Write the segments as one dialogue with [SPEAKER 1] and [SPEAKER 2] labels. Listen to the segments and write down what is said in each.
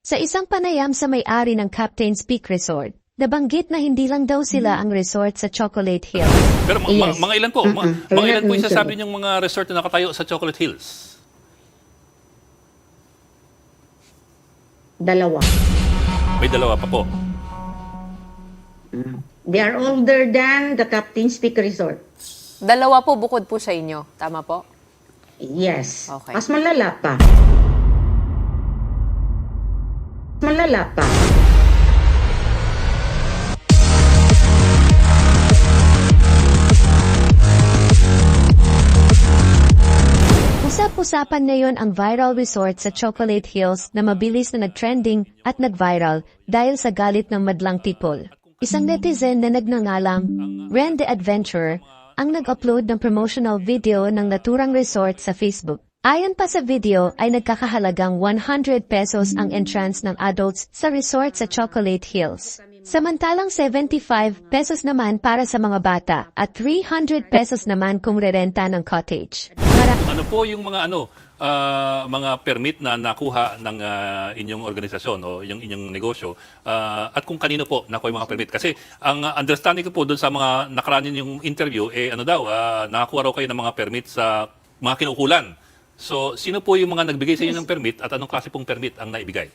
[SPEAKER 1] Sa isang panayam sa may-ari ng Captain's Peak Resort, nabanggit na hindi lang daw sila ang resort sa Chocolate Hill.
[SPEAKER 2] Pero
[SPEAKER 3] Yes.
[SPEAKER 2] mga ilan po? Mga
[SPEAKER 3] We're
[SPEAKER 2] ilan
[SPEAKER 3] not
[SPEAKER 2] po yung sasabi
[SPEAKER 3] mentioning.
[SPEAKER 2] niyong mga resort na nakatayo sa Chocolate Hills?
[SPEAKER 3] Dalawa.
[SPEAKER 2] May dalawa pa po.
[SPEAKER 3] They are older than the Captain's Peak Resort.
[SPEAKER 4] Dalawa po bukod po sa inyo. Tama po?
[SPEAKER 3] Yes.
[SPEAKER 4] Okay.
[SPEAKER 3] Mas malala pa. Malala pa.
[SPEAKER 1] Usap-usapan ngayon ang viral resort sa Chocolate Hills na mabilis na nag-trending at nag-viral dahil sa galit ng madlang people. Isang netizen na nagngangalang Ren the Adventurer ang nag-upload ng promotional video ng naturang resort sa Facebook. Ayon pa sa video ay nagkakahalagang 100 pesos ang entrance ng adults sa resort sa Chocolate Hills. Samantalang 75 pesos naman para sa mga bata at 300 pesos naman kung rerenta ng cottage.
[SPEAKER 2] Ano po yung mga mga permit na nakuha ng inyong organisasyon o yung inyong negosyo at kung kanino po nakuha yung mga permit? Kasi ang understanding ko po doon sa mga nakaraan yung interview, nakakuha raw kayo ng mga permit sa mga kinukulan. So, sino po yung mga nagbigay sa inyo ng permit at anong klase pong permit ang naibigay?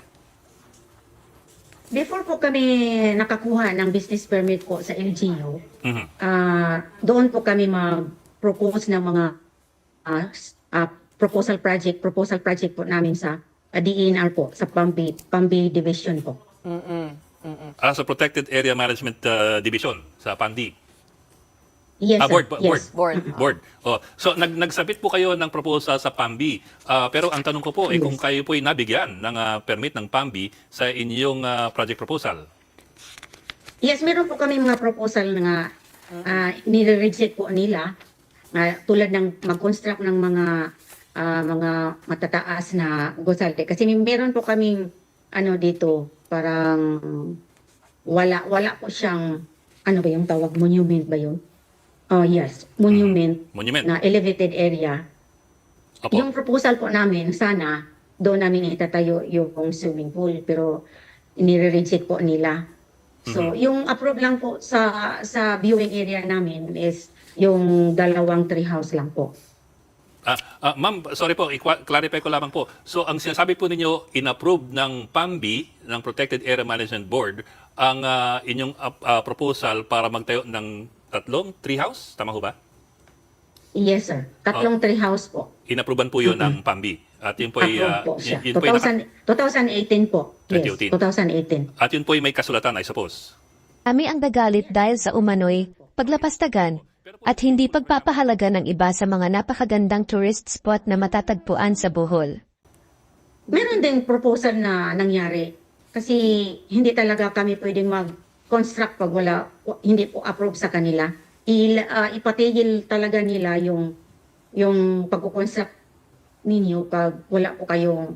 [SPEAKER 3] Before po kami nakakuha ng business permit po sa LGU,
[SPEAKER 2] Mhm.
[SPEAKER 3] doon po kami mag-propose ng mga proposal project po namin sa DENR po, sa Pambi Division po.
[SPEAKER 2] Sa Protected Area Management Division sa PANDI.
[SPEAKER 3] Yes, sir.
[SPEAKER 2] Board.
[SPEAKER 3] Yes.
[SPEAKER 2] Board. Oh, so nagsabit po kayo ng proposal sa PAMBI. Pero ang tanong ko po kung kayo po ay nabigyan ng permit ng PAMBI sa inyong project proposal.
[SPEAKER 3] Yes, meron po kami mga proposal na nire-reject po nila tulad ng mag-construct ng mga matataas na gusali. Kasi meron po kaming dito parang wala po siyang ano ba yung tawag, monument ba yun? Oh yes, monument
[SPEAKER 2] Monument.
[SPEAKER 3] na elevated area.
[SPEAKER 2] Opo.
[SPEAKER 3] Yung proposal po namin, sana doon namin itatayo yung swimming pool, pero nire-reject po nila. So, yung approve lang po sa viewing area namin is yung dalawang tree house lang po.
[SPEAKER 2] Ma'am, sorry po, i-clarify ko lamang po. So, ang sinasabi po ninyo, inapprove ng PAMBI, ng Protected Area Management Board, ang inyong proposal para magtayo ng tatlong tree house? Tama ho ba?
[SPEAKER 3] Yes, sir. Tatlong tree house po.
[SPEAKER 2] Inapprovean po yun ng PAMBI. At yun po ay...
[SPEAKER 3] Approve po siya.
[SPEAKER 2] yun po ay
[SPEAKER 3] 2018 po. Yes,
[SPEAKER 2] 2018.
[SPEAKER 3] 2018.
[SPEAKER 2] At yun po ay may kasulatan, I suppose.
[SPEAKER 1] Kami ang nagalit dahil sa umano'y paglapastagan at hindi pagpapahalaga ng iba sa mga napakagandang tourist spot na matatagpuan sa Bohol.
[SPEAKER 3] Meron din proposal na nangyari. Kasi hindi talaga kami pwedeng mag-construct pag hindi po approve sa kanila. Ipatigil talaga nila yung pag-construct ninyo pag wala po kayong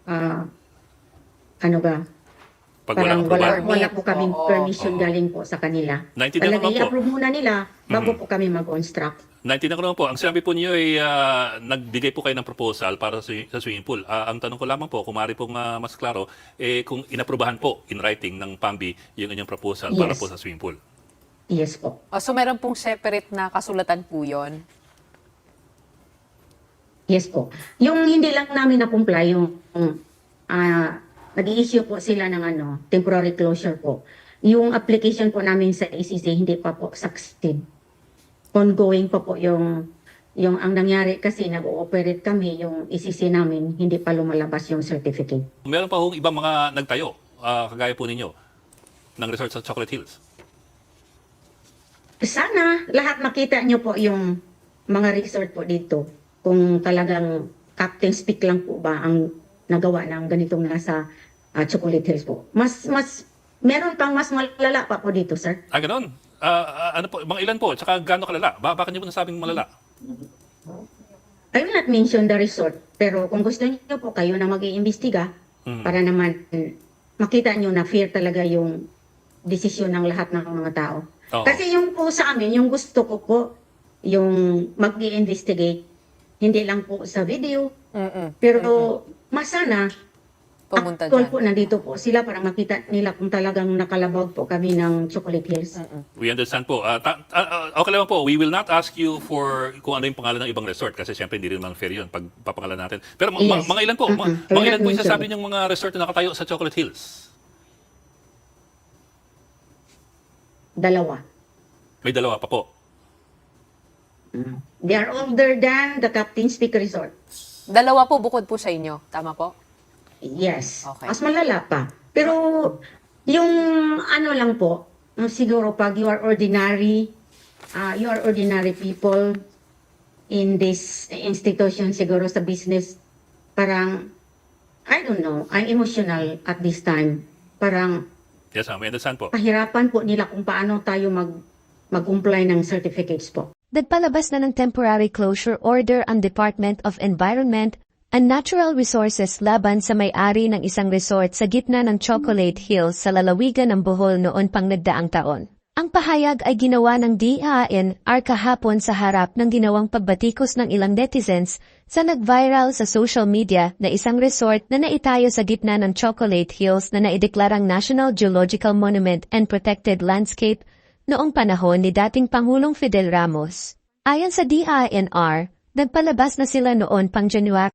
[SPEAKER 2] Pag walang
[SPEAKER 3] parang
[SPEAKER 2] approval.
[SPEAKER 3] wala po kaming permission galing po sa kanila.
[SPEAKER 2] Naintindihan ko
[SPEAKER 3] Talaga
[SPEAKER 2] naman po.
[SPEAKER 3] i-approve muna nila bago po kami mag-construct.
[SPEAKER 2] Naintindihan ko naman po. Ang sinabi po niyo ay nagbigay po kayo ng proposal para sa swimming pool. Ang tanong ko lamang po, kung maaari pong mas klaro, kung inaprubahan po in writing ng PAMBI yung inyong proposal para
[SPEAKER 3] Yes.
[SPEAKER 2] po sa swimming pool.
[SPEAKER 3] Yes po.
[SPEAKER 4] So meron pong separate na kasulatan po yun?
[SPEAKER 3] Yes po. Yung hindi lang namin na-comply, yung nag-i-issue po sila ng temporary closure po. Yung application po namin sa ACC hindi pa po succeed. Ongoing pa po yung ang nangyari kasi nag-ooperate kami, yung ACC namin, hindi pa lumalabas yung certificate.
[SPEAKER 2] Meron pa hong ibang mga nagtayo, kagaya po ninyo, ng resort sa Chocolate Hills.
[SPEAKER 3] Sana lahat makita nyo po yung mga resort po dito. Kung talagang Captain's Peak lang po ba ang nagawa ng ganitong nasa Chocolate Hills po. Meron pang mas malala pa po dito, sir.
[SPEAKER 2] Ganon. Ano po, mga ilan po, tsaka gaano kalala? Bakit niyo po nasabing malala?
[SPEAKER 3] I will not mention the resort, pero kung gusto niyo po kayo na mag-iimbestiga para naman makita niyo na fair talaga yung desisyon ng lahat ng mga tao.
[SPEAKER 2] Oo.
[SPEAKER 3] Kasi yung po sa amin, yung gusto ko po, yung mag-i-investigate, hindi lang po sa video, pero mas sana
[SPEAKER 4] pumunta
[SPEAKER 3] actual
[SPEAKER 4] dyan?
[SPEAKER 3] po, nandito po sila para makita nila kung talagang nakalabag po kami ng Chocolate Hills.
[SPEAKER 2] We understand po. Okay lang po, we will not ask you for kung ano yung pangalan ng ibang resort kasi siyempre hindi rin naman fair yun pag papangalan natin. Pero
[SPEAKER 3] Yes.
[SPEAKER 2] mga ilan po?
[SPEAKER 3] Mm-mm.
[SPEAKER 2] Mga ilan po
[SPEAKER 3] Kailan
[SPEAKER 2] yung sasabi niyong mga resort na nakatayo sa Chocolate Hills?
[SPEAKER 3] 2.
[SPEAKER 2] May dalawa pa po.
[SPEAKER 3] They are older than the Captain's Peak Resort.
[SPEAKER 4] Dalawa po bukod po sa inyo. Tama po?
[SPEAKER 3] Yes.
[SPEAKER 4] Okay.
[SPEAKER 3] Mas malala pa. Pero yung ano lang po, siguro pag you are ordinary people in this institution, siguro sa business, parang, I don't know, I'm emotional at this time. Parang
[SPEAKER 2] Yes, ma'am. We understand po.
[SPEAKER 3] pahirapan po nila kung paano tayo mag-comply ng certificates po.
[SPEAKER 1] Nagpalabas na ng temporary closure order ang Department of Environment and Natural Resources laban sa may-ari ng isang resort sa gitna ng Chocolate Hills sa lalawigan ng Bohol noon pang nagdaang taon. Ang pahayag ay ginawa ng DENR kahapon sa harap ng ginawang pagbatikos ng ilang netizens sa nag-viral sa social media na isang resort na naitayo sa gitna ng Chocolate Hills na naideklarang National Geological Monument and Protected Landscape noong panahon ni dating Pangulong Fidel Ramos. Ayon sa DENR, nagpalabas na sila noon pang January